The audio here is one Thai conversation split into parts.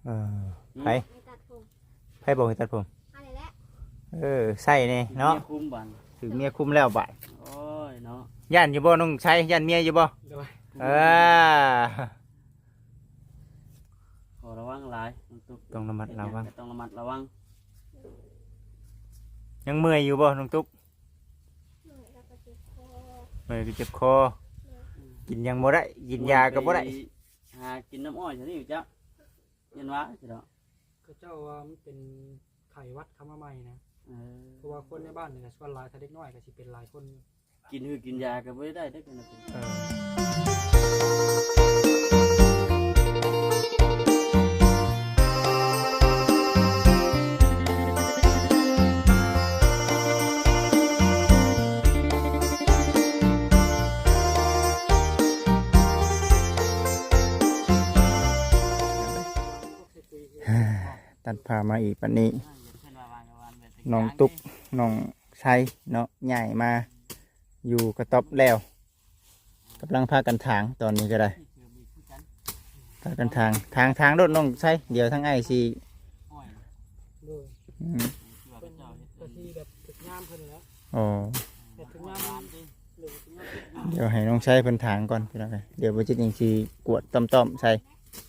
ไผไผบอกให้ตัดผมอะไรแหละใส่นี่เนาะคุมบันถึงเมียคุมแล้วบ่ายโอ้ยเนาะย่านอยู่บ่น้องใช้ย่านเมียอยู่บ่ขอระวังหลายต้องระมัดระวังต้องระมัดระวังยังเมื่อยอยู่บ่น้องตุ๊กเมื่อยก็เจ็บคอกินยังบ่ได้กินยาก็บ่ได้หากินน้ำอ้อยใช่ไหมจ๊ะยันวะใช่หรอก็เจ้าว่ามันเป็นไข่วัดคำว่าใหม่นะเพราะว่าคนในบ้านเนี่ยส่วนหลายถ้าเด็กน้อยก็สิเป็นหลายคนกินยาก็ไม่ได้ได้กันนะตัดผ่ามาอีกปันนี้น้องตุ๊กน้องไซเนาะใหญ่มาอยู่กระต๊อบแล้วกำลังพากันถางตอนนี้ก็ได้พากันทางรถน้องไซเดี๋ยวทั้งไอซีอ๋อเดี๋ยวให้น้องไซเพิ่นถางก่อนพี่น้องเดี๋ยวไปจิตยังซีกวดต้อมใส่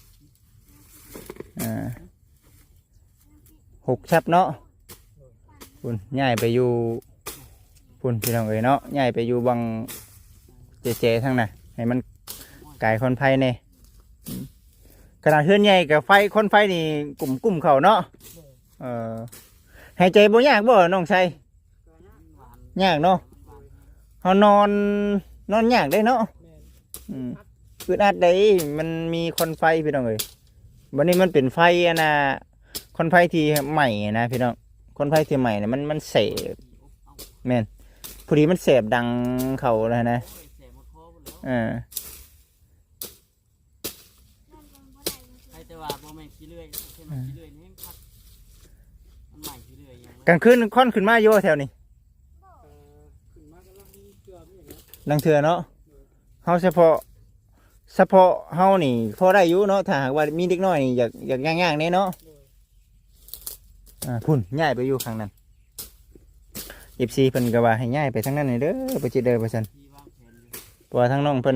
6 ชับเนาะพุ่นย้ายไปอยู่พุ่นพี่น้องเอ๋ยเนาะย้ายไปอยู่บังเจทั้งน่ะให้มันไก่คนไฟเนี่ยขนาดเฮือนใหญ่กับไฟคนไฟนี่กลุ่มเขาเนาะหายใจบ่ยากบ่น้องชัยยากเนาะเขานอนยากได้เนาะอึดอัดได้มันมีคนไฟพี่น้องเอ๋ยวันนี้มันเป็นไฟอะนะคนไฟที่ใหม่นะพี่น้องคนไฟที่ใหม่เนี่ยมันเสพแม่นพอดีมันเสพดังเขาเลยนะกลางคืนค่อนขึ้นมาอยู่แถวนี้ลังเถื่อเนาะเฮาเฉพาะเฮานี่พอได้อยู่เนาะถ้าหากว่ามีเด็กน้อยนี่อยากย่างๆนี่เนาะพุ่นย้ายไปอยู่ข้างนั้น14เพิ่นก็ว่าให้ย้ายไปทางนั้นนี่เด้อไปจิเด้อว่าซั่นเพราะว่าทางน้องเพิ่น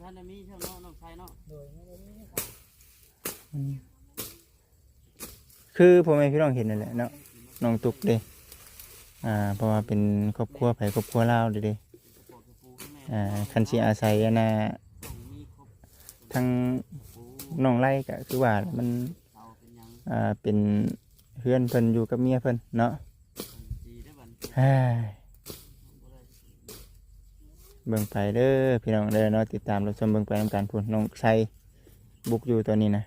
คือพ่อแม่พี่น้องเห็นนั่นแหละเนาะน้องตุ๊กเด้เพราะว่าเป็นครอบครัวไผครอบครัวลาวเด้คันสิอาศัยนะทางน้องไร่ก็คือว่ามันเป็นเพื่อนเพิ่นอยู่กับเมียเพิ่นเนาะเบิ่งไปเด้อพี่น้องเด้อเนาะติดตามรับชมเบิ่งไปนำกันพุ่นน้องชัยบุกอยู่ตัวนี้นะ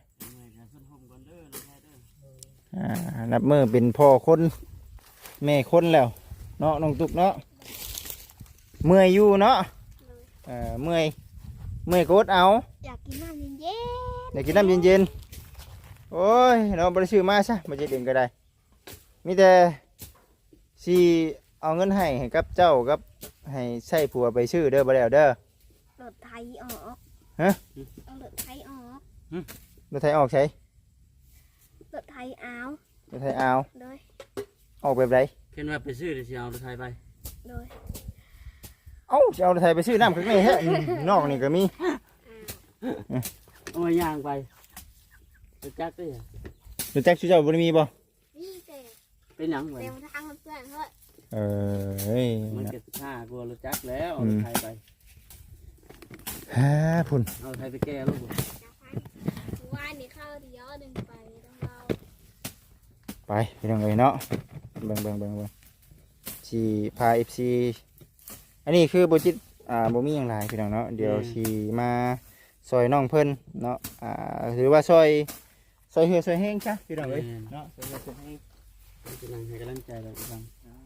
นับมือเป็นพ่อคนแม่คนแล้วเนาะน้องตุ๊กเนาะเมื่อยอยู่เนาะเมื่อยกดเอาอยากกินน้ำเย็นอยากกินน้ำเย็นโอ้ยเราบริสุทธิ์มาซะมาจะเด่นก็ได้มีแต่สิเอาเงินให้กับเจ้ากับให้ใช้ผัวไปชื่อเด้อบ่แล้วเด้อรถไถออกฮะเอารถไถออกรถไถออกใช่รถไถเอารถไถเอาเลยออกแบบไรเห็นว่าไปซื้อเดี๋ยวเอารถไถไปเลยเอารถไถไปซื้อน้ำข้างในฮะนอกนี่ก็มีเอาย่างไปรถจักรด้วยรถจักรชื่อเจ้าบริมีบ่เป็นหยังไงเต็มทางเพื่อนเฮ้ยมันเก็บผ้ากลัวรถจักรแล้วเอารถไถไปพุ่นเอาไถไปแก้ลูกว่านนี่เข้าเดียวดึงไปต้องเราไปไปทางไหนเนาะเบิ่งชีพาFCอันนี้คือโบจิตบ่มีอย่างไรพี่น้องเนาะเดี๋ยวชีมาซอยน้องเพิ่นเนาะหรือว่าซอยเหือซอยแห้งจ้ะพี่น้องเอ้ยเนาะซอยเหือซอยแห้งจะนั่งให้กำลังใจเราฟัง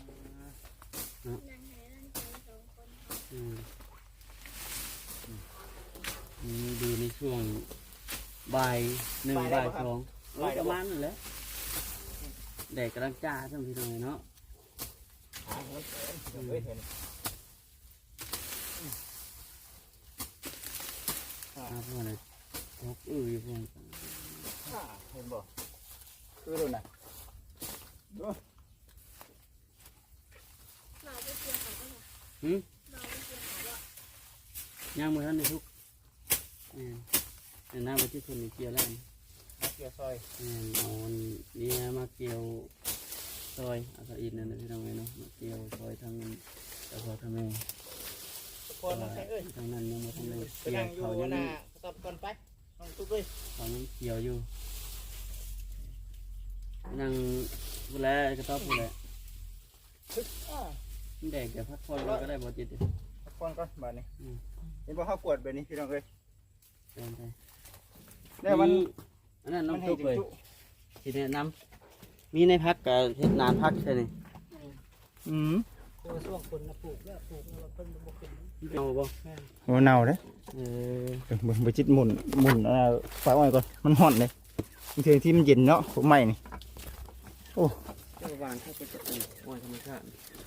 ดูในช่วงบ่าย1บ่าย2ประมาณนั่นแหละแดดกำลังจ้าทั้งพี่น้องเนาะพวกอะไรพวกอยู่พวกเห็นบ่คือรุ่นน่ะเราไปเกี่ยวเขาก็ได้หืมเราไปเกี่ยวเขาว่าย่างมือท่านในทุกแต่หน้าไปที่คนเกี่ยวแล้วเกี่ยวซอยเอาเนี่ยมาเกี่ยวซอยอาสาอินนั่นนะพี่น้องเนาะมาเกี่ยวซอยทางแต่พอทางแม่คนน้องใช้เอ้ยทางนั้นยังมาทางเลยไปเกี่ยนั่วงอยู่เขายังหน้าตบก่อนไปน้องตุ๊กเอ้ยเขายังเกี่ยวอยู่นั่งผู้แลกระต๊อบผู้แล แดกเดี๋ยวพักผ่อนเราก็ได้บอจิตพักผ่อนก่อนบาดนี้เห็นบ่เขากวดแบบนี้พี่น้องเอ้ยเดินไปแล้วมันอันนั้นน้องให้ตุ๊กถึงเลยจุทีนี้น้ำมีในพักกับเฮ็ดนานพักใช่ไหมอืมตัวช่วงคนนะปลูกแล้วปลูกแล้วเพิ่นบ่ขึ้นเอาบ่แม่นโอ้เน่าเด้เออบ่จิตหมุนฝาอ้อยก่อนมันฮ้อนเลยบางทีที่มันเย็นเนาะผมใหม่นี่เจ้าวางถ้าเป็นจะเป็นอ้อยธรรมชาติ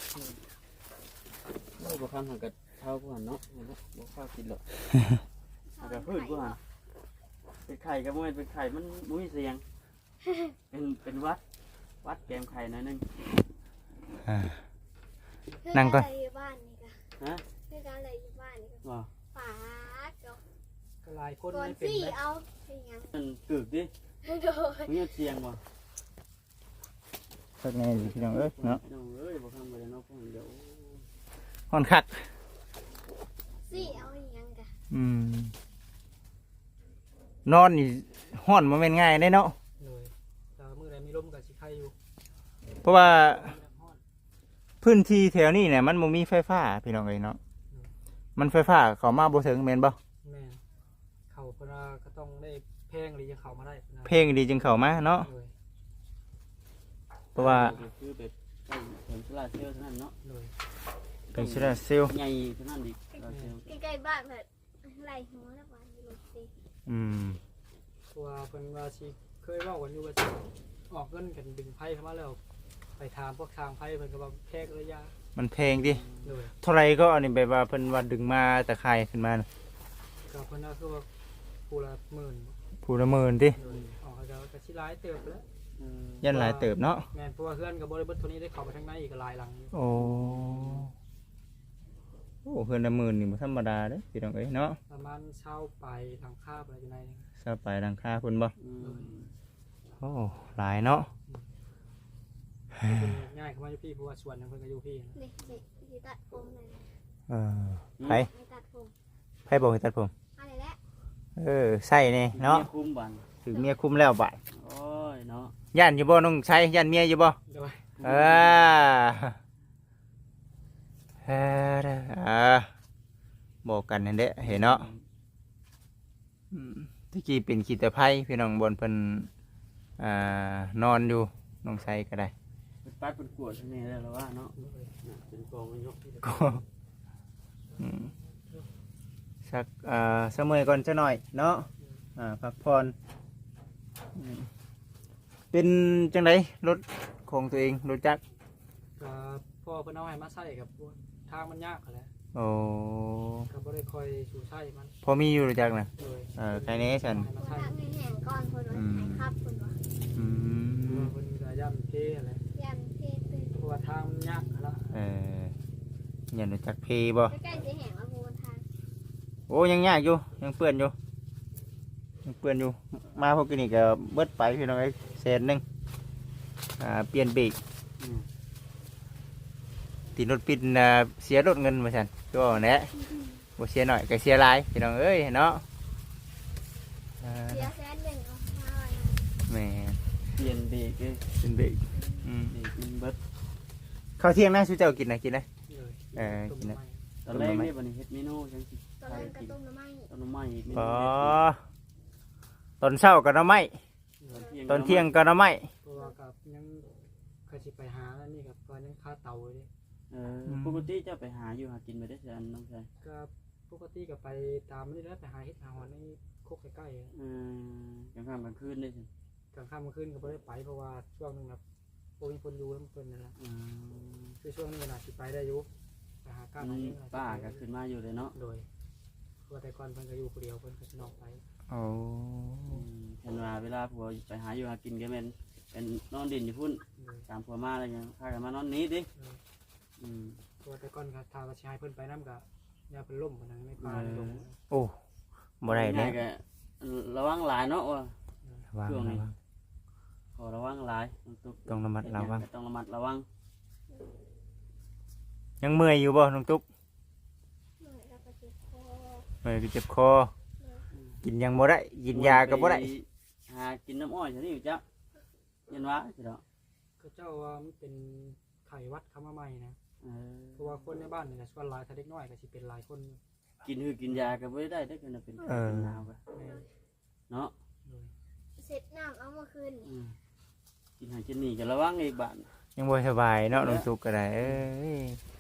โอ้บ่ข้ามหันกับเท้าผู้หันเนาะบ่ข้าวกินหรอกหันกับพืชผู้หันเป็นไข่กับมันเป็นไข่มันมุ้ยเสียงเป็นวัดแกมไข่หน่อยนึงนั่งก่อนเพื่ออะไรอยู่บ้านนี่ก็ฮะเพื่ออะไรอยู่บ้านนี่ก็ว่าป๋าเจ้าก็หลายคนก่อนไม่เป็นสี่นะเอาเป็นยังมันกึกดิโดยมุ้ยเสียงว่ะสักแน่พี่น้องเอ้ยเนาะน้องเอ้ยบ่ข้ามไปแล้วเนาะพวกเดี๋ยวฮ้อนคักสี่เอาอย่างยังกะนอนนี่ฮ้อนบ่แม่นง่ายได้เนาะเลยแต่มื้อใดมีลมก็สิไข่อยู่เพราะว่าฮ้อนพื้นที่แถวนี้เนี่ยมันบ่มีไฟฟ้าพี่น้องเอ้ยเนาะมันไฟฟ้าเข้ามาบ่ถึงแม่นบ่แม่นเขาเพิ่นว่าก็ต้องได้แพงหรือจะเข้ามาได้นะเพลงดีจึงเข้ามาเนาะเลยเพราะว่าคือแบบใช้เสริมโซล่าร์เซลล์เท่านั้นเนาะเลยเป็นโซลาร์เซลล์ใหญ่เท่านั้นดิโซล่าร์เซลล์ใกล้ๆบ้านเพิ่นไล่หัวแล้วบ้านอยู่รถสิอืมตัวเพิ่นว่าสิเคยเว้ากันอยู่ว่าสิออกเงินกันดึงไผเข้ามาแล้วไปถามพวกทางไผเพิ่นก็ว่าแพงระยะมันเพลงดิเลยเท่าไรก็อันนี้แบบว่าเพิ่นว่าดึงมาตะไคร่ขึ้นมาน่ะก็เพิ่นว่าคือว่าผู้ละหมื่นผู้ละหมื่นติเลยออกก็สิหลายเติบแล้วยันหลายเติบเนาะแม่นเพราะว่าเพื่อนกับบริบทตัวนี้ได้เข้าไปทางในอีกหลายหลังอยู่โอ้โอ้เพิ่นละหมื่นนี่บ่ธรรมดาเด้พี่น้องเอ้ยเนาะประมาณเช่าไปทางคาบอะไรอยู่ในนึงซาไปดังค่าเพิ่นบ่อืมโอ้หลายเนาะเป็นง่ายเข้ามาอยู่พี่เพราะว่าส่วนหนึงเพิ่นก็อยู่พี่นะนี่สิตัดผมเลยเออไผให้ตัดผมไผบอกให้ตัดผมอะไรแหละใส่นี่เนาะมีคุ้มบันถึงเมียคุมแล้วบาดโอ้ยเนาะย่านอยู่บ่น้องใช้ย่านเมียอยู่บ่โดยเอเอบอกกันนั่นแหละเห็นเนาะตะกี้เป็นขีตะไคร้พี่น้องบนเพิ่นนอนอยู่น้องใช้ก็ได้เป็นปัดเป็นกวดที่นี่แล้วว่าเนาะเป็นกองยกก็อืมสักเสมอก่อนจะหน่อยเนาะพักผ่อนเป็นจังไดรถของตัวเองรถจักรก็พ่อเพิ่นเอาให้มาใส่กับทางมันยากแหละโอ้ก็บ่ได้คอยสู่ใช้มันพอมีอยู่รถจักรนะโดยใครเนี้ฉันให้มาคนใช้ทักให้แห้งก่อนคนว่าให้ครับคนว่าอืมเพิ่นก็ย่ำเพอะไรยันเพศตื่นเพราะว่าทางมันยากละยันรถจักรเพบ่ใกล้ๆจะแห้งแล้วพูนทางโอ้ยังยากอยู่ยังเปื้อนอยู่ยังเปื้อนอยู่มาพวกนี้ก็เบิดไปพี่น้องไอ้แสนหนึงเปลี่ยนเบรกตีรถปิดเสียรถเงินมาฉันก็แหนะบ่เสียหน่อยก็เสียหลายพี่น้องเอ้ยเนาะเสียแสนหนึ่งเอามาไว้แม่เปลี่ยนเบรกเลยเป็นเบรกเบรกมันเบิดข้าวเที่ยงนะชูเจ้ากินนะกินนะเลยกินนะตอนแรกนี่บันนี้เฮ็ดเมนูจังสิตอนนั้นกระต้มน้ำไม้ต้นไม้อีกเมนูอ๋อตอนเช้าก็หน้ำไม้ตอนเที่ยงก็หน้ำไม้เพราะว่ากับยังเคยสิไปหาแล้วนี่กับว่ายังค่าเตาเลยปกติเจ้าไปหาอยู่หากินไปได้เสียอันน้องชายก็ปกติก็ไปตามนี่แล้วไปหาเฮ็ดหาหอนในโคกใกล้ๆกลางค่ำกลางคืนได้สิกลางค่ำกลางคืนก็ไม่ได้ไปเพราะว่าช่วงนึงแบบโอ้ยคนอยู่ทั้งคนนั่นแหละคือช่วงนี้น่ะสิไปได้อยู่ไปหาการหาเงินป้าก็ขึ้นมาอยู่เลยเนาะโดยเพราะว่าแต่ก่อนเพิ่นก็อยู่คนเดียวเพิ่นก็สินอกไปโอ้เห็นว่าเวลาผัวไปหาอยู่หากินก็แม่นไปเป็นนอนดินอยู่พุ่นโดยตามผัวมาอะไรเงี้ยพากันมานอนนี้ดิโดยอืมตัวแต่ก่อนก็ถ้าว่าสิให้เพิ่นไปนํก็อย่าเพิ่นล่มกันในป่าในดงโอ้บ่ได้เด้ง่ายๆก็ระวังหลายเนาะว่าระวังช่วงนี้ระวังขอระวังหลายน้องตุ๊กต้องระมัดระวังต้องระมัดระวังยังเมื่อยอยู่บ่น้องตุ๊กเหนื่อยแล้วก็เจ็บคอเมื่อยก็เจ็บคอกินยังบ่ได้กินยาก็บ่ได้หากินน้ำอ้อยใช่ไหมอยู่จ้ะยันวะสิเนาะก็เจ้าว่ามันเป็นไข้หวัดเข้ามาใหม่นะเออเพราะว่าคนในบ้านนี่ก็ส่วนหลายถ้าเด็กน้อยก็สิเป็นหลายคนอยู่กินยาก็ไม่ได้ได้ก็เป็นเป็นหนาวก็แม่นเนาะโดยเสร็จน้ำเอามาคืนอืมกินหากินนี่ก็ระวังอีกบ้านยังบ่สบายเนาะน้องตุ๊กก็ได้เอ้ย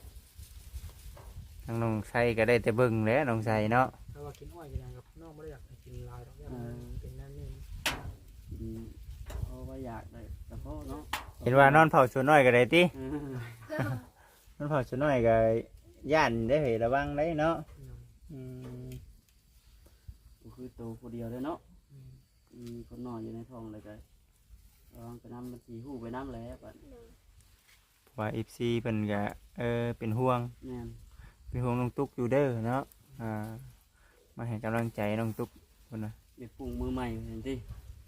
ทางน้องไสก็ได้แต่เบิ่งแหล้วน้องไสเนาะถ้าว่ากินอ้อยกินหยังกับน้องบ่ได้อยากให้กินหลายดอกอย่างเป็นนั่นนี่กินเพราะว่าอยากได้แต่เพราะเนาะเห็นว่านอนเผาสวนน้อยก็ได้ติเออนอนเผาสวนน้อยก็ย่านได้เฮ้ยระวังได้เนาะอืมก็คือตัวคนเดียวเลยเนาะมีคนนอนอยู่ในท้องเลยก็ระวังไปน้ำมันสีหูไปน้ำแล้วบ้านเลยว่า FC เพิ่นก็เป็นห่วงแม่นเป็นห่วงน้องตุ๊กอยู่เด้อเนาะมาให้กำลังใจน้องตุ๊กพุ่นน่ะเด็กปรุงมือใหม่เห็นที่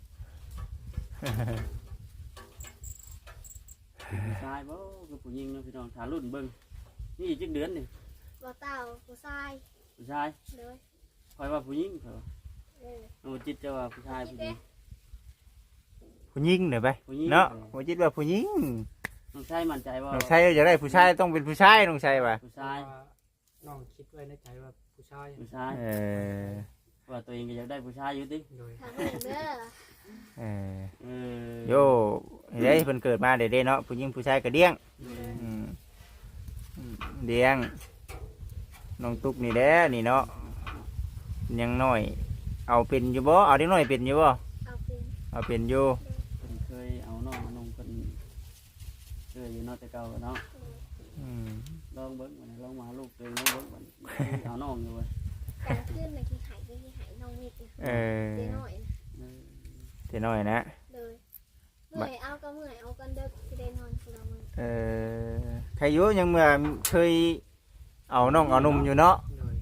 ผู้ชายบ่คือผู้หญิงเนาะพี่น้องถารุ่นเบิ่งนี่อีกจักเดือนนี่บ่เต่าผู้ชายผู้ชายเลยคอยว่าผู้หญิงเขาเลยน้องจิตจะว่าผู้ชายผู้หญิงผู้หญิงเด้อไปผู้หญิงเนาะบ่จิตว่าผู้หญิงน้องชายมั่นใจว่าน้องชายอยากได้ผู้ชายต้องเป็นผู้ชายน้องชายว่ะผู้ใช่ชายน้องคิดไว้ในใจว่าผู้ชายผู้ชายเออว่าตัวเองก็อยากได้ผู้ชายอยู่ติโดยทางหนึ่งเด้อเออเออโยเด้เพิ่นเกิดมาได้เนาะผู้หญิงผู้ชายก็เลี้ยงเอออืมเลี้ยงน้องตุ๊กนี่แหละนี่เนาะยังน้อย เอาเป็นอยู่บ่เอาเด็กน้อยเป็นอยู่บ่เอาเป็นเอาเป็นอยู่เพิ่นเคยเอาน้องมานุ่งเพิ่นเคยอยู่เนาะแต่เก่าเนาะเลยอืมลองเบิ่งวันนี้ลองมาหาลูกตัวเองลองเบิ่งวันนี้เอาน้องอยู่เว้ยกลางคืนในที่หายน้องนิดนะเออเจ๊น้อยนะเออแต่น้อยนะเลยเมื่อยเอาก็เมื่อยเอากันเด็กที่ได้นอนคนละมื้อเออใครอยู่ยังเมื่อเคยเอาน้องเอานุ่มอยู่เนาะโดย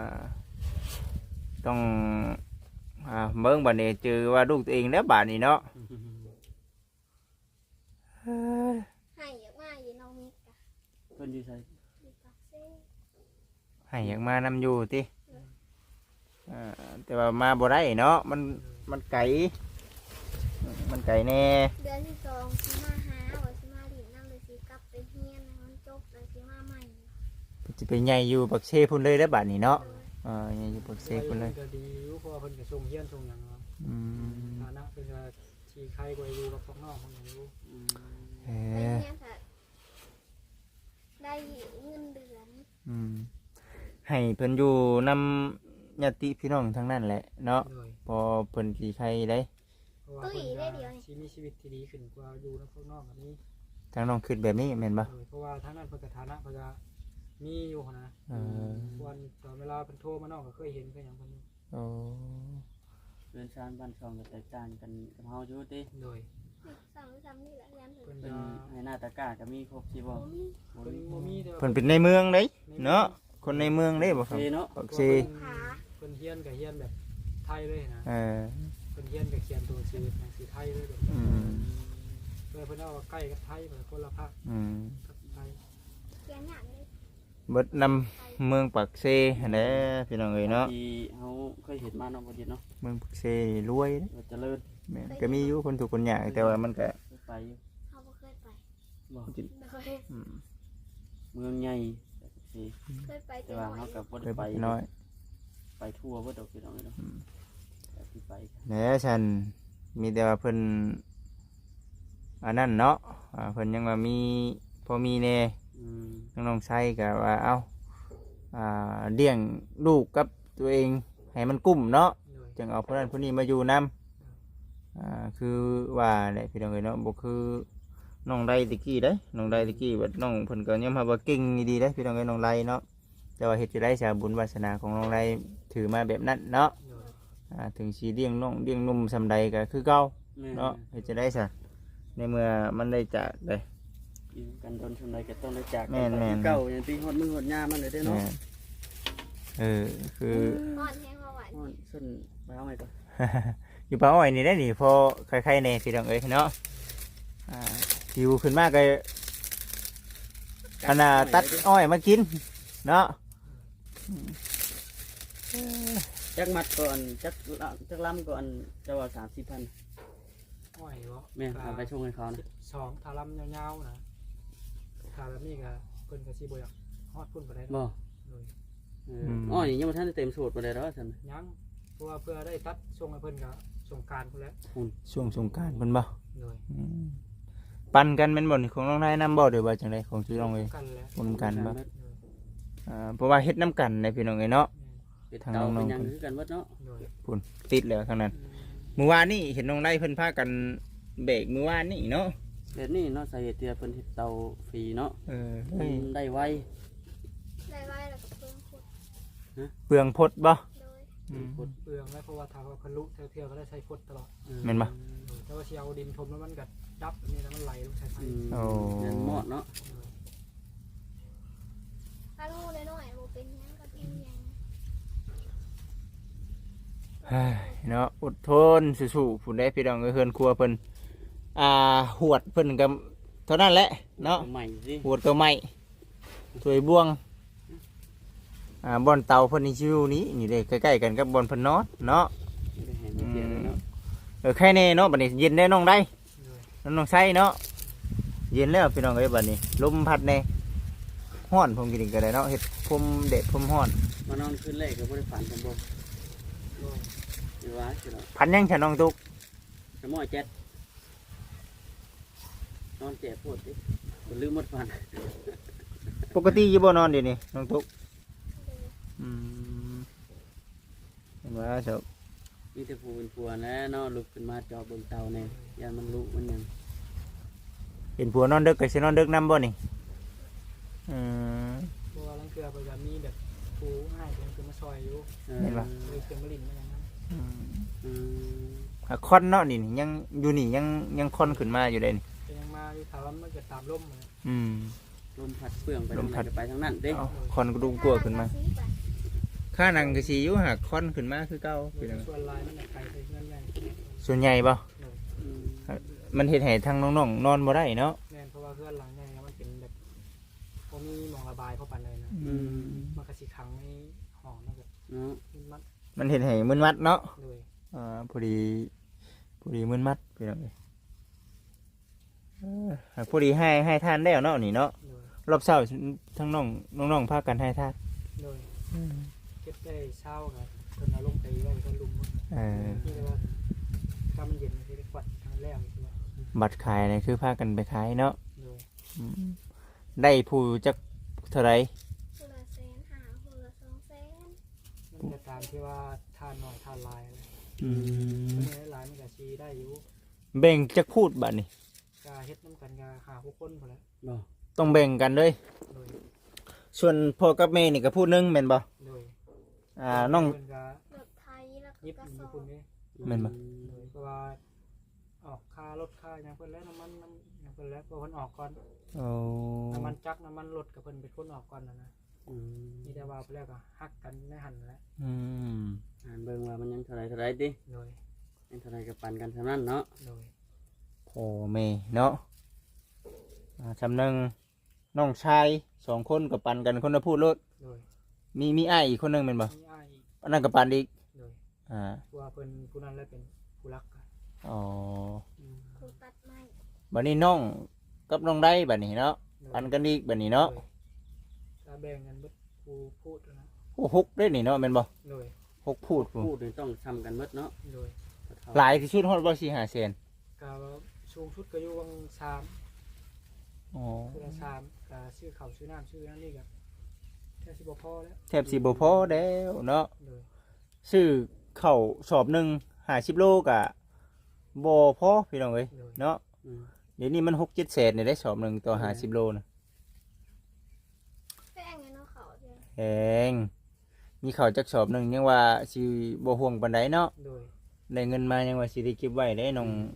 ต้องเบิ่งบัดนี้เจอว่าลูกตัวเองแล้วบาดนี้เนาะให้อยากมาอยู่น้องนิดกะเพิ่นอยู่ไสอยู่ปากเซ่ให้อยากมานำอยู่ติแต่ว่ามาบ่ได้เนาะมันไกลมันไกลแน่เดือนที่สองสิมาหาว่าสิมาดินน้ำเลยสิกลับไปเฮียนนะมันจบเลยสิมาใหม่จะไปใหญ่อยู่ปักเชพุ่นเลยแล้วบาดนี้เนาะเลยใหญ่อยู่ปักเชพุ่นเลยก็ดีอยู่เพราะว่าเพิ่นก็ส่งเฮียนส่งหยังเนาะอืมฐานะเพิ่นก็ชีใครกว่าอยู่กับพวกน้องพวกหยังอยู่อืมเอไปอเฮียนค่ะได้เงินเดือนอืมให้เพิ่นอยู่นำญาติพี่น้องทั้งนั้นแหละเนาะโดยพอเพิ่นสิใครได้เพราะว่าเพิ่นก็สิมีชีวิตที่ดีขึ้นกว่าอยู่กับพวกน้องแบบนี้ทางน้องคิดแบบนี้แม่นบ่โดยเพราะว่าทางนั้นเพิ่นก็ฐานะเพิ่นก็มีอยู่หั้นนะเออวันตอนเวลาเพิ่นโทรมาน้องก็เคยเห็นเคยหยังเพิ่นอยู่โอ้เรือนชานบ้านช่องก็แตกต่างกันกับเฮาอยู่ติโดยสั่งนี่แหละยันถึงเพิ่นเป็นก็ให้หน้าตะกร้าก็มีครบสิบ่โอ้มีบ่เพิ่นมีบ่มีแต่ว่าเพิ่นเป็นในเมืองเด้เนาะคนในเมืองเด้บ่ครับเซเนาะปักเพราะเชว่าเพิ่นเฮียนก็เฮียนแบบไทยเลยนะเออเพิ่นเฮียนก็เขียนตัวชื่อหนังสือไทยเลยแบบอืมเพื่อเพิ่นเอาว่าใกล้กับไทยเพิ่นคนละภาคอืมกับไทยเขียนอย่างนี้เบิดนำเมืองปักเซหั่นแหละพี่น้องเอ้ยเนาะที่เฮาเคยเห็นมาเนาะบ่ดีเนาะเมืองปักเซนี่รวยเด้ว่าเจริญแม่นก็มีอยู่คนทุกข์คนยากแต่ว่ามันก็ไปอยู่เขาบ่เคยไปบ่เลยอืมเมืองใหญ่สิเคยไปแต่แต่ว่าหน่อเฮาย กับบ่เคได้ยไปไปน้อยไปทั่วบ่ดอกพี่น้องเนาะแต่ที่ไปแหน่ฉันมีแต่ว่าเพิ่นอันนั้นเนาะเพิ่นยังว่ามีพอมีแน่อืมน้องๆใช้ก็ว่าเอ้าเลี้ยงลูกกับตัวเองให้มันกุ้มเนาะโดยจึงเอาผู้นั้นผู้นี้มาอยู่นำคือว่าแหละพี่น้องเอ้ยเนาะบ่คือน้องไดตะกี้เด้น้องไดตะกี้บัดน้องเพิ่นก็ยอมรับว่าเก่งดีเด้พี่น้องเอ้ยน้องไดเนาะแต่ว่าเฮ็ดจะได้สาบุญวาสนาของน้องไดถือมาแบบนั้นเนาะโดยถึงสิเลี้ยงน้องเลี้ยงนุ่มซำใดก็คือเก่าแม่เนาะเฮ็ดจะได้ซะในเมื่อมันได้จากเลยอยู่กันโดนชนใดก็ต้องได้จากแม่นๆเก่าอย่างปีฮอดมือฮอดยามมันเลยเด้อเนาะแม่นคืออ่อนแห้งมาหวานฮอดส้นไปเอาใหม่ก่อนอยู่ป่าอ้อยนี่ได้นี่พอใครๆในพี่น้องเอ้ยเนาะหิวขึ้นมากเลยขนาดตัดอ้อยมากินเนาะจักมัดก่อนจักลำก่อนจะว่า30,000 อ้อยบ่แม่พาไปชงให้เขานะ 12ทารัมยาวๆนะทาแบบนี้ก็เพิ่นก็สิบ่อยากฮอดพุ่นบ่ได้บ่โดยอ๋อนี่ยังบ่ทันได้เต็มสูตรบ่ได้ดอกซั่นยังเพราะว่าเพื่อได้ตัดส่งให้เพิ่นก็สงกรานต์พุ่นแหล้วช่วงสงกรารเพิ่นบ่โดยปั่นกันแม่นบ่นี่ของน้องนายนํบ่หรือว่าจังไดของชื่อน้องเอ้ยกันแหล้วบ่นำกันบ่โดยเพราะว่าเฮ็ดน้ำกันในพี่น้องเอ้ยเนาะเป็ดทางเตาน้เป็องนๆหยังคือกันเบิดเนาะโดยพุ่นติดแล้วทางนั้นเมื่อวานนี่เห็นน้องนายเพิ่นพากันเบรกเมื่อวานนี่เนาะแบบนี้เนาะสาเหตุที่เพิ่นเฮ็ดเตาฟรีเนาะเฮ้ยมันได้ไวได้ไว้แล้วก็เพิ่มขุดเปลืองพดบ่โดยเปลืองแล้วเพราะว่าถ้าว่าเพิ่นลุเที่ยวๆก็ได้ใช้พดตลอดแม่นบ่โดยแต่ว่าสิเอาดินถมแล้วมันก็ดับแบบนี้แล้วมันไหลลงใส่ไฟโอ้แม่นเหมาะเนาะถ้าลูกน้อยๆบ่เป็นหยังก็เป็นหยังเฮ้ยเนาะอดทนสู้ๆผู้ใดพี่น้องเอ้ยเฮือนครัวเพิ่นหวดเพิ่นก็เท่านั้นแหละเนาะใหม่สิหวดก็ไม่ถวยบ่วงบ่อนเตาเพิ่นนี่ชิวนี้นี่เด้ใกล้ๆกันกับบ่อนเพิ่นนอนเนาะได้เห็นได้เสียเลยเนาะแค่นี้เนาะบัดนี้เย็นได้น้องได้โดยน้องใช้เนาะเย็นแล้วพี่น้องเอ้ยบัดนี้ลมพัดแน่ฮ้อนผมกินก็ได้เนาะเฮ็ดพรมเด็ดพรมฮ้อนมานอนคืนแรกก็บ่ได้ฝันกันบ่โดยอยู่ว่าสิเนาะพันยังฉันน้องตุกสมอเจ็ดนอนเจ็บปวดดิบ่ลืมหมดฝันปกติอยู่บ่นอนเดี๋ยวนี้น้องตุกโดยอืมเห็นว่าเจ้ามีแต่ผู้เป็นผัวนะเนาะลุกขึ้นมาจอบเบิ่งเตาแน่ยานมันลุกมันหยังเห็นผัวนอนดึกก็สินอนดึกนำบ่นี่อืมเพราะว่าลังเกลือเพิ่นก็มีแบบผู้ให้เพิ่นคือมาซอยอยู่เห็นปะเลยเพิ่นมาลิ้นมาอย่างนั้นอืมคอนเนาะนี่ยังอยู่นี่ยังคอนขึ้นมาอยู่เลยนี่ก็ยังมาอยู่ถามว่ามันก็ตามลมเลยอืมลมพัดเปลืองไปลมพัดทางไหนก็ไปทางนั้นเด้เอาคอนกระดูกกลัวขึ้นมาถ้เรซื้อไปค่านังก็สิอยู่หากคอนขึ้นมาคือเก่าพี่น้องส่วนลายมันน่ะไกลไปเงินใหญ่ส่วนใหญ่บ่อืมมันเฮ็ดให้ทางน้องๆนอนบ่ได้เนาะแม่นเพราะว่าเพื่อนหลังใหญ่แล้วมันเป็นแบบบ่มีหมองระบายเข้าไปเลยนะอืมมันก็สิขังในห้องนั่นก็เนาะมันมันเฮ็ดให้มึนมัดเนาะโดยพอดีมึนมัดพี่น้องเอ้ยหากพอดีให้ทานแล้วเนาะนี่เนาะโดยรอบเช้าทั้งน้องพากันให้ทานโดยเก็บได้เช้าครับเพิ่นเอาลงไปไว้เพิ่นลุมหมด นี่เลยว่าถ้ามันเย็นมันจะได้กวัดทางแรกใช่ไหมบัตรขายนี่คือพากันไปขายเนาะโดยได้ผู้จักเท่าไหร่ผู้ละแสนหาผู้ละ200,000 มันจะตามที่ว่าทานหน่อยทานลายอะไรอืมมันมีหลายมันก็ชีได้อยู่แบ่งจักพูดบัดนี้กาเฮ็ดน้ำกันกาหาผู้คนพอแล้วบ่ต้องแบ่งกันเลยโดยส่วนพ่อกับแม่นี่ก็พูดหนึงแม่นบ่โดยน้องเพิ่นก็รถไทยแล้วก็ยิบกระมีสอคุบณนี่แม่นบ่โดยเพราะว่าออกค่ารถค่าอย่างเพิ่นแล้วน้ำมันอย่างเพิ่นแล้วเพราะเพิ่นออกก่อนโอ้น้ำมันจักรน้ำมันรถกับเพิ่นเป็นคนออกก่อนนะอืมมีแต่ว่าเพิ่นแล้วก็ฮักกันในหันแหล้วอืมอ่านเบิ่งว่ามันยังเท่าไรติโดยยังเท่าไรก็ปันกันเท่านั้นเนาะโดยพ่อแม่เนาะสำนึงน้องชาย2คนก็ปันกันคนละพูดรถโดยมีอ้ายอีกคนหนึงแม่นบ่มีอ้ายอีกอันนั้นก็ปันอีกโดยอ่าเพราะว่าเพิ่นผู้นั้นแล้วเป็นผู้รักกันอ๋อผู้ตัดไม้บัดนี้น้องกับน้องได้บัดนี้เนาะปันกันอีกบัดนี้เนาะถ้าแบ่งกันเบิดผู้พูดนะโอ้6ได้นี่เนาะแม่นบ่โดย 6พูดพู้พูดนี่ต้องทำกันหมดเนาะโดยหลายที่สุดฮอดบ่4-5แสนกาสูงสุดก็อยู่วังสามอ๋อคือละสามกาซื้อข้าวซื้อน้ำซื้อนั่นนี่กับแค่สิบพอแล้วแทบสิบ่พอแล้วเนาะโดยซื้อข้าวสอบหนึง50โลก็บ่พอพี่น้องเอ้ยโดยเนาะอืมเดี๋ยวนี้มัน6-7แสนนี่ได้สอบหนึงต่อ50โลนะแป้งเงินเอาเขาเดียวแพงมีข้าวจักสอบหนึงยังว่าสิบ่ห่วงปานใดเนาะโดยได้เงินมายังว่าสิได้เก็บไว้ได้น้อง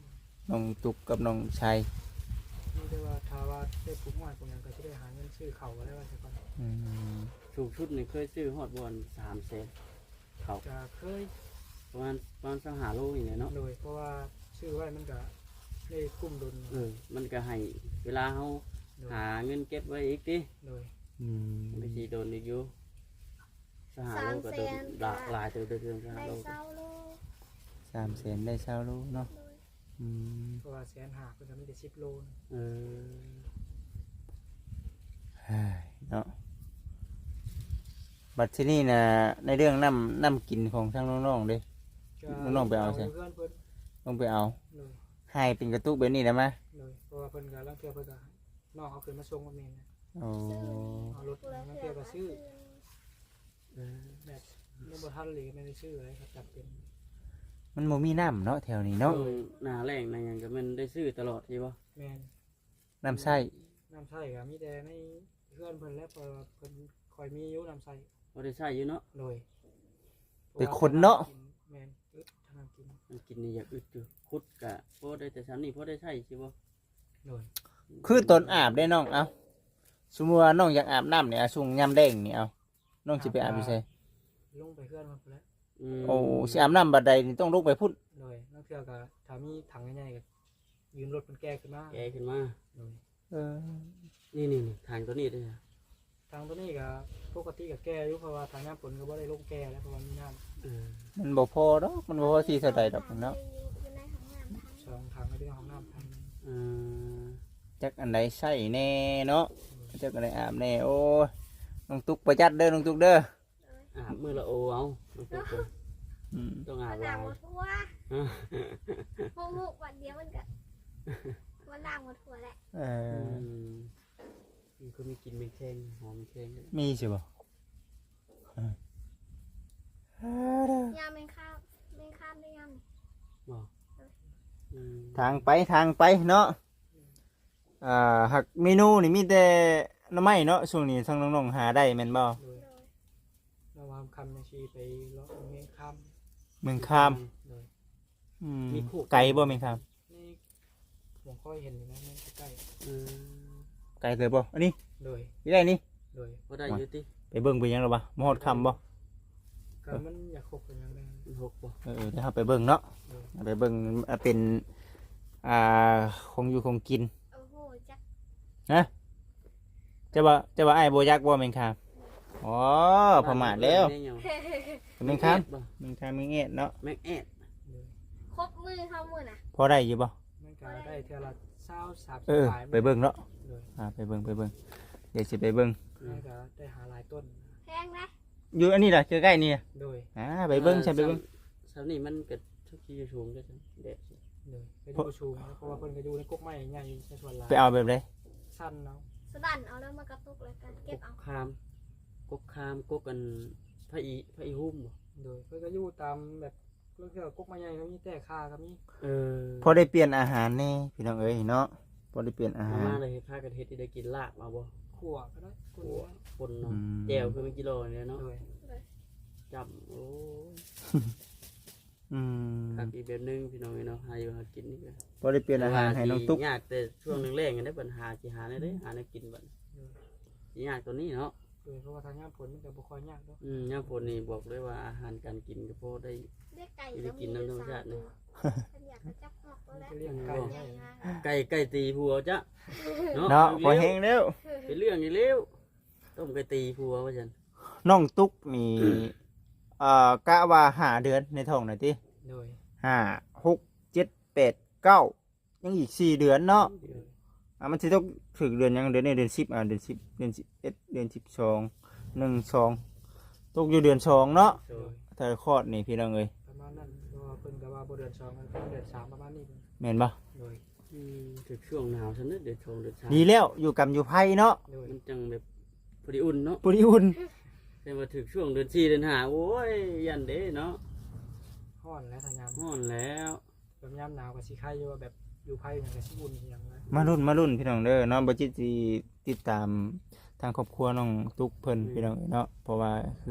น้องตุกกับน้องชัยนี่ได้ว่าถ้าว่าได้ปลูกหอยปลูกหยังก็สิได้หาเงินซื้อเขาก็ได้ว่าแต่ก่อนอืมสูงชุดนี่เคยซื้อฮอดบอน3 แสนเขาก็เคยประมาณ25 โลนี่แหละเนาะโดยเพราะว่าชื่อไว้มันก็ได้คุ้มดุลมันก็ให้เวลาเฮาโดยหาเงินเก็บไว้อีกติโดยอืมไปสิโดนอีกอยู่25 โลก็โดนหลายเติบเดือน25 ได้โลเศร้าโล 300,000ได้20โลเนาะโดยอืมเพราะว่า150,000เพิ่นก็มีแต่10 โลนะเออเฮ้ยเนาะบัดที่นี่นะในเรื่องน้ำกินของทั้งน้องๆเด้ก็น้องๆไปเอาสิเพื่อนเพิ่นต้องไปเอาโดยให้เป็นกระตุกแบบนี้ได้ไหมเลยเพราะว่าเพิ่นก็ลังเทื่อเพิ่นก็น้องเอาขึ้นมาส่งกับแม่นะโอ้เอารถผู้ละลังเถื่เทื่ออก็ก็ซื้อเออแบบยังบ่ทันเลยไม่ได้ซื้ออะไรครับจำเป็นมันบ่มีน้ำเนาะแถวนี้เนาะหน้าแรงในหยังก็มันได้ซื้อตลอดที่บ่แม่นน้ำใส่น้ำใส่ก็มีแต่ในเพื่อนเพิ่นแล้วเพราะว่าเพิ่นคอยมีอยู่น้ำใส่บ่ได้ใช้อยู่เนาะโดยเป็นคนเนาะแม่นอึดทางน้ำกินมันกินนี่อยากอึดอยู่ขุดกะพอได้แต่ชั้นนี่พอได้ใช้สิบ่โดยคือตนอาบได้น้องเอาสมมุติว่าน้องอยากอาบน้ำเนี่ยช่วงยามแดงนี่เอาน้องสิไปอาบอยู่ไสลงไปเพื่อนมันพุ่นแล้วโอ้สิอาบน้ำบัดใดนี่ต้องลุกไปพุ่นโดยลังเทื่อก็ถ้ามีถังใหญ่ๆก็ยืมรถมันแก้ขึ้นมาแกขึ้นมาโดยเออนี่ทางตัวนี้เด้อทางตัวนี้ก็ปกติก็แก้อยู่เพราะว่าทางน้ำฝนก็บ่ได้ลงแก้แล้วเพราะว่ามีน้เออมันบ่พอดอกมันบ่พอที่เท่าใดดอกเนาะอยู่ในห้องน้ำทั้งำสองทางก็เป็นของน้ำทางเออจักอันใดใส่แน่เนาะจักอันใดอาบแน่โอ้ยน้องตุกประหยัดเด้อน้องตุกเด้ออาบมือละโอเอาต้องเพิ่นอืมต้องอาวับนหหลัลาง ยหมดทั่วพวกมุกวันเดียวมันก็วันหลังหมดทั่วแหละเออมันก็มีกลินเป็นแข้งหอมแข้งมีใช่บ่ยามแมงข้ามได้ยามบ่อืมทางไปเนาะหักเมนูนี่มีแต่หน้ำไม้เนาะช่วงนี้ทั้งน้องๆหาได้แม่นบ่โดยโดยเราวางคำในชีไปเลาะเงี้ยคเมืองคามำโดยอืมไก่บ่เมืองคามนี่ผมค่อยเห็นอยู่นะนี่ใกล้เออไก่เลยบ่อันนี้ๆโดยนี่ได้นี่โดยบ่ได้อยู่ติไปเบิ่งไปยังหรอบ่มาฮอดคำบ่ก็มันอยากคบกันยังไงมันหกบ่เดี๋ยวเราไปเบิ่งเนาะโดยไปเบิ่งเป็นคงอยู่คงกินโอ้โหจักนะจะว่าไอ้ายบ่ยักบ่แม่งคามอ๋อประมาทแล้วแม่งคามบ่แม่งคามแม่งเอ็ดเนาะแม็กแอดโดยครบมือเขาหมดอ่ะพอได้อยู่บ่มันก็ได้เท่าละ20-30 เออปลายไปเบิ่งเนาะโดยไปเบิ่งเดี๋ยวสิไปเบิ่งมันก็ได้หาหลายต้นแพงนะอยู่อันนี้ล่ะใกล้ๆนี่โดยไปเบิ่งใช่ไปเบิ่งสาวนี่มันก็ทุกที่อยู่สูงก็จังแดดโดยไปดูชูนะเพราะว่าเพิ่นก็อยู่ในกกไม้ใหญ่ในส่วนหลายไปเอาแบบใดสั้นเนาะสดันเอาแล้วมากระตุกเลยกันเก็บเอาคามกกกันพระอีหุ่มบ่โดยเพิ่นก็อยู่ตามแบบเรื่องเกี่ยวกับกกไม้ใหญ่เขามีแต่คาก็มีเออพอได้เปลี่ยนอาหารแน่พี่น้องเอ้ยเนาะพอได้เปลี่ยนอาเอาหารมาเลยพากันเฮ็ดที่ได้กินลากมาบ่ขั่วก็ได้กุนหัวได้คนเนาะอืมแจวคือเป็นกิโลเนี่ยเนาะโดยจับโอ้ยอืมคักอีกแบบนึงพี่น้องเนาะหาอยู่หากินนี่ก็พอได้เปลี่ยนอาหารให้น้องตุ๊กยากแต่ช่วงแรกๆกันได้ปัญหาสิหาได้หาได้กินบัดสิยากตัวนี้เนาะโดยเพราะว่าทางย่ามผลมันก็บ่ค่อยยากเนาะยามฝนนี่บอกเลยว่าอาหารการกินก็พอได้ได้ไก่ได้กินน้ำธรรมชาตินี่ฉันอยากจะจับหอกตัวแล้วจะเลี้ยงไก่ใหญ่ได้มากไก่ตีผัวจ้ะเนาะพอแห้งแล้วเป็นเรื่องอีกแล้วต้มไก่ตีผัวว่าจันน้องตุ๊กนี่กะว่า5 เดือนในท้องหน่อยติโดย 5 6 7 8 9ยังอีก4 เดือนเนาะมันสิต้องถึงเดือนยังเดือนนี้เดือน10เดือน10เดือน11เดือน12 1 2ตกอยู่เดือน2เนาะโดยถ้าคลอดนี่พี่น้องเอ้ยประมาณนั้นเพราะว่าเพิ่นก็ว่าบ่เดือน2มันเป็นเดือน3ประมาณนี้เพิ่นแม่นบ่โดยถึงช่วงหนาวฉันนึกเดือดชงเดือดชาดีแล้วอยู่กับอยู่ไผเนาะโดยมันจังแบบพอดีอุ่นเนาะปุริอุ่นแต่ว่าถึงช่วงเดือน4เดือน5โอ้ยยันเด้เนาะฮ้อนและทางยามฮ้อนแล้วแบบยามหนาวก็สิไข่อยู่ว่าแบบอยู่ไผอย่างก็สิอุ่นอหย่างนะมารุ่นพี่น้องเด้อเนาะบ่จิตสิติดตามทางครอบครัวน้องตุ๊กเพิ่นพี่น้องเนาะเพราะว่าคือ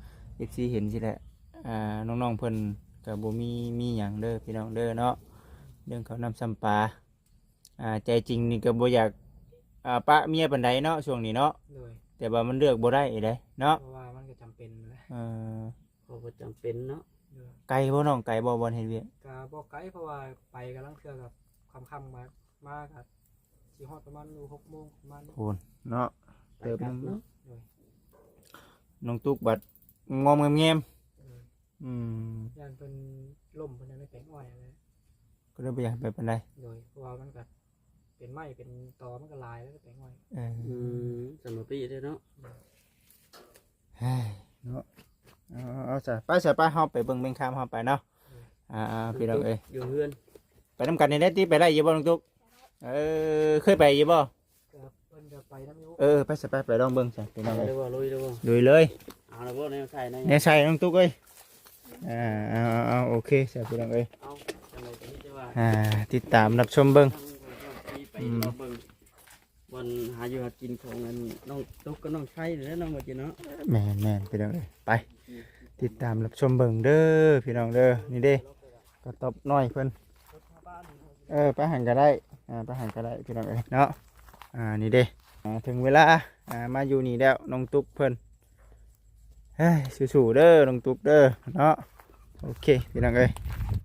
FC เห็นสิแหละน้องๆเพิ่นก็บ่มีหยังเด้อพี่น้องเด้อเนาะเรื่องเขาวนำซ้ำปลาใจจริงนี่ก็บ่อยากปะเมียปานใดเนาะช่วงนี้เนาะโดยแต่ว่ามันเลือกบ่ได้เด้เนาะเพราะว่ามันก็จำเป็นแหละเออเขาบ่จำเป็นเนาะโดยไกลบ่น้องไกลบ่บ่เฮ็ดเวียกก็บ่ไกลเพราะว่าไปกำลังเทื่อกับค่ำๆมาก็สิฮอดประมาณ6 โมงประมาณนี้พูนเนาะไปกลับเนาะโดยน้องตุ๊กบัดงอมแงมโดยๆอืมย่านเพิ่นล่มเพิ่นยังไม่แปลงอ้อยอะไรก็เลยบ่อยากไปปานใดโดยเพราะว่ามันก็เป็นไม้เป็นตอมันก็ลายแล้วก็แปลงอ้อยเออสำหรับพี่เด้อเนาะเฮ้ยเนาะเอาซะไปซะไปเฮาไปเบิ่งเบิ่งข้ามเฮาไปเนาะพี่น้องเอ้ยอยู่เฮือนไปนำกันนี่ได้ติไปได้อยู่บ่น้องตุ๊กเคยไปอยู่บ่ก็เพิ่นจะไปน้ำยุไปซะไปลองเบิ่งซะพี่น้องเอาเอ้ยได้บ่ลุยได้บ่ลุยเลยเอาได้บ่แนวใส่ในแน่ใส่น้องตุ๊กเอ้ยเอาโอเคซะพี่น้องเอ้ยเอาจังได๋ก็มีแต่ว่าติดตามรับชมเบิ่งไปรอเบิ่งบนหาอยู่หากินของอันน้องตุ๊กกับน้องไส้นี่แหละน้องบ่จิเนาะแม่นพี่น้องเอ้ยไป ติดตามรับชมเบิ่งเด้อพี่น้องเด้อนี่เด้ก็ตบน้อยเพิ่นไปหันก็ได้ไปหันก็ได้พี่น้องเอ้ยเนาะนี่เด้ถึงเวลามาอยู่นี่แล้วน้องตุ๊กเพิ่นเฮ้ยสู้ๆเด้อน้องตุ๊กเด้อเนาะโอเคพี่น้องเอ้ย